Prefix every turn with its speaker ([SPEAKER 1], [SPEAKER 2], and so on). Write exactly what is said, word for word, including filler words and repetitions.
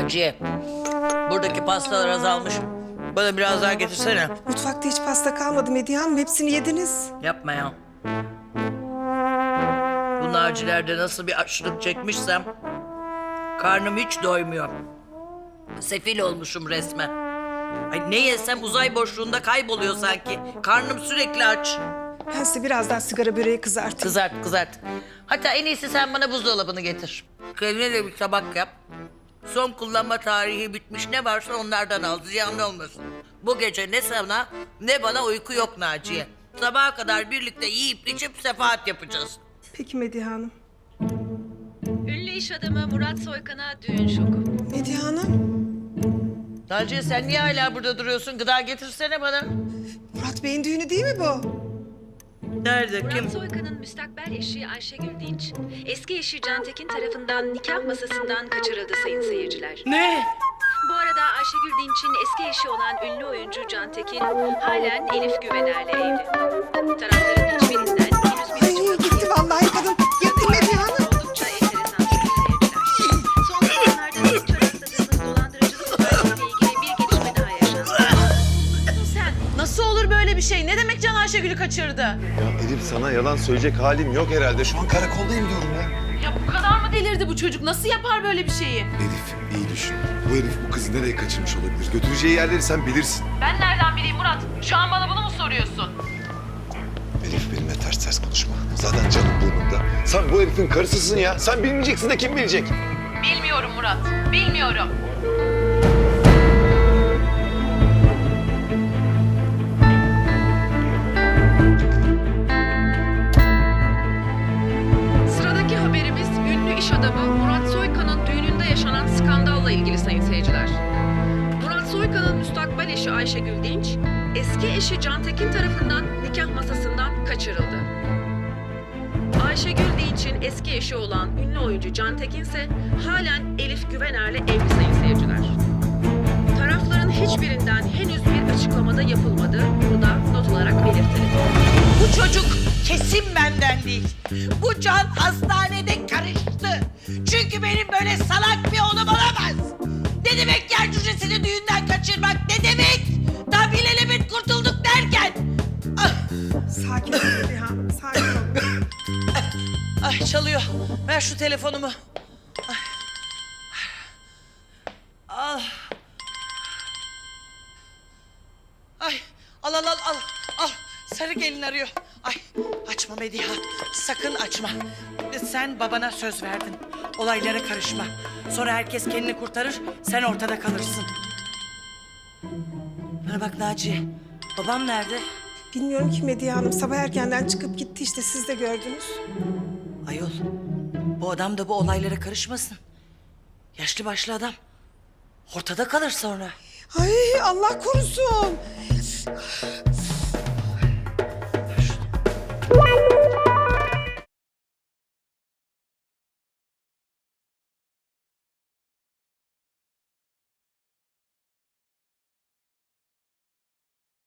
[SPEAKER 1] Naciye, buradaki pastalar azalmış. Bana biraz daha getirsene.
[SPEAKER 2] Mutfakta hiç pasta kalmadı Medihe Hanım. Hepsini yediniz.
[SPEAKER 1] Yapma ya. Bu Nacilerde nasıl bir açlık çekmişsem... karnım hiç doymuyor. Sefil olmuşum resmen. Ay ne yesem uzay boşluğunda kayboluyor sanki. Karnım sürekli aç.
[SPEAKER 2] Ben size biraz daha sigara böreği kızartayım.
[SPEAKER 1] Kızart kızart. Hatta en iyisi sen bana buzdolabını getir. Kendine de bir tabak yap. Son kullanma tarihi bitmiş ne varsa onlardan al. Ziyanlı olmasın. Bu gece ne sana ne bana uyku yok Naciye. Sabaha kadar birlikte yiyip içip sefahat yapacağız.
[SPEAKER 2] Peki Medihe Hanım.
[SPEAKER 3] Ünlü iş adamı Murat Soykan'a düğün şoku.
[SPEAKER 2] Medihe Hanım.
[SPEAKER 1] Naciye sen niye hala burada duruyorsun? Gıda getirsene bana.
[SPEAKER 2] Murat Bey'in düğünü değil mi bu?
[SPEAKER 1] Nerede? Kim?
[SPEAKER 3] Murat Soykan'ın müstakbel eşi Ayşegül Dinç, eski eşi Can Tekin tarafından nikah masasından kaçırıldı sayın seyirciler.
[SPEAKER 1] Ne?
[SPEAKER 3] Bu arada Ayşegül Dinç'in eski eşi olan ünlü oyuncu Can Tekin halen Elif Güvener'le evli. Tarafların hiçbirinden henüz bir
[SPEAKER 2] Ay gitti vallahi kadın. Gitti Medihe Hanım.
[SPEAKER 3] oldukça enteresan sayın seyirciler. Son zamanlarda sıkça rastladığımız dolandırıcılık olaylarıyla ilgili bir gelişme daha yaşandı. Sen
[SPEAKER 4] Nasıl olur böyle bir şey? Ne demek Can Ayşegül'ü kaçırdı?
[SPEAKER 5] Ya Elif sana yalan söyleyecek halim yok herhalde. Şu an karakoldayım diyorum ya.
[SPEAKER 4] Ya bu kadar mı delirdi bu çocuk? Nasıl yapar böyle bir şeyi?
[SPEAKER 5] Elif iyi düşün. Bu herif bu kızı nereye kaçırmış olabilir? Götüreceği yerleri sen bilirsin.
[SPEAKER 4] Ben nereden bileyim Murat? Şu an bana bunu mu soruyorsun?
[SPEAKER 5] Elif benimle ters ters konuşma. Zaten canım burnumda. Sen bu herifin karısısın ya. Sen bilmeyeceksin de kim bilecek?
[SPEAKER 4] Bilmiyorum Murat. Bilmiyorum.
[SPEAKER 3] Sıradaki haberimiz ünlü iş adamı Murat Soykan'ın düğününde yaşanan skandalla ilgili sayın seyirciler. Murat Soykan'ın müstakbel eşi Ayşegül Dinç, eski eşi Can Tekin tarafından nikah masasından kaçırıldı. Ayşegül Dinç'in eski eşi olan ünlü oyuncu Can Tekin ise halen Elif Güvener'le evli sayın seyirciler. Tarafların hiçbirinden henüz bir açıklamada yapılmadı. Bunu da not olarak belirtelim.
[SPEAKER 1] Bu çocuk kesin benden değil. Bu Can hastanede karıştı. Çünkü benim böyle salak bir oğlum olamaz. Ne demek yer cücesini düğünden kaçırmak? Ne demek? Daha bilelebet kurtulduk derken. Ah,
[SPEAKER 2] Sakin ol Medihe Hanım. Sakin ol.
[SPEAKER 1] ay çalıyor. Ver şu telefonumu. Ay. Al. Ay al al al al. Al. Sarı gelin arıyor. Ay açma Mediha. Sakın açma. Sen babana söz verdin. Olaylara karışma. Sonra herkes kendini kurtarır. Sen ortada kalırsın. Bana bak Naciye. Babam nerede?
[SPEAKER 2] Bilmiyorum ki Medihe Hanım. Sabah erkenden çıkıp gitti işte. Siz de gördünüz.
[SPEAKER 1] Ayol. Bu adam da bu olaylara karışmasın. Yaşlı başlı adam. Ortada kalır sonra.
[SPEAKER 2] Ay Allah korusun.